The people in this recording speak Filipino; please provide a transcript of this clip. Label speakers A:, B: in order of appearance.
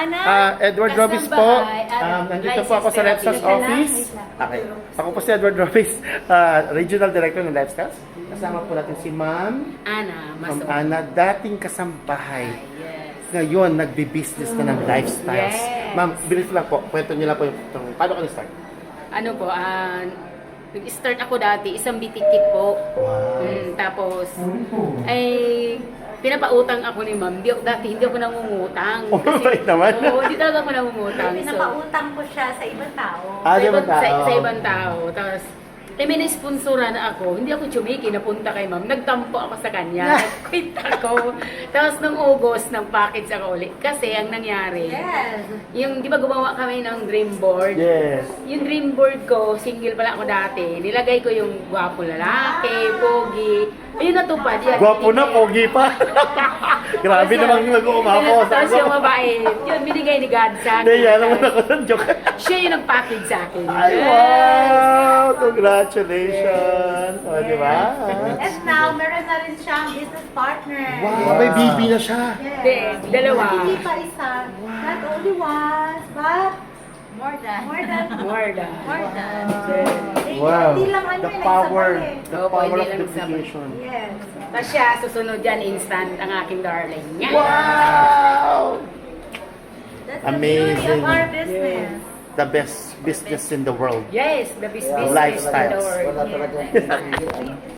A: Ana.
B: Edward Robis po.
A: Kasambahay at
B: Nandito po ako sa
A: licensed
B: Lepsas
A: therapist.
B: office. Okay. Ako po si Edward Robis, Regional Director ng Lifestyles. Kasama po natin si Ma'am
A: Ana,
B: Ana, dating kasambahay.
A: Yes.
B: Ngayon, nagbi-business na ng lifestyles.
A: Yes.
B: Ma'am, bilis lang po. Kwento niyo lang po paano ka na-start?
A: Ano po, nag-start ako dati, isang bitikit po.
B: Wow.
A: Tapos, ay, pinapautang ako ni ma'am. Dati hindi ako nangungutang.
B: Oh, right naman.
A: Oo, hindi talaga ako nangungutang.
C: Pinapautang ko siya sa ibang tao.
B: Sa ibang tao.
A: Sa ibang tao. Tapos, may na-sponsoran ako. Hindi ako tsumiki, napunta kay ma'am. Nagtampo ako sa kanya. Nag-quit ako. Tapos, nung August, nag-package ako ulit. Kasi, ang nangyari,
C: Yes.
A: yung, di ba gumawa kami ng dream board?
B: Yes.
A: Yung dream board ko, single pala ako dati. Nilagay ko yung gwapo lalaki, pogi. Ayun natupad yan.
B: Gwapo na, pogi pa. Grabe namang nag-uumapos.
A: Tapos yung mabait, yun binigay ni God sa akin.
B: Hindi, alam mo na ko ng joke.
A: Siya yung nag-package sa akin.
B: Ay, wow! Congratulations! O, di ba?
C: And now, meron na rin siyang business partner.
B: Wow, may baby na siya.
A: Hindi, dalawa.
C: Hindi pa isa. Not only once, but
A: More than.
C: more than.
A: More than.
C: More than.
B: Wow.
C: Hindi lang ano
B: The
C: yun,
B: power.
C: isa pa eh.
B: The
A: Opo,
B: power
A: hindi
B: of
A: lang isa pa.
B: duplication.
C: Yes.
A: Tapos siya, susunod yan, instant, ang aking darling. Yan.
B: Wow!
C: That's
B: Amazing.
C: the beauty of our business.
B: The best business in the world.
A: Yes, the business
B: Lifestyles.
A: in the world.
D: Wala talaga.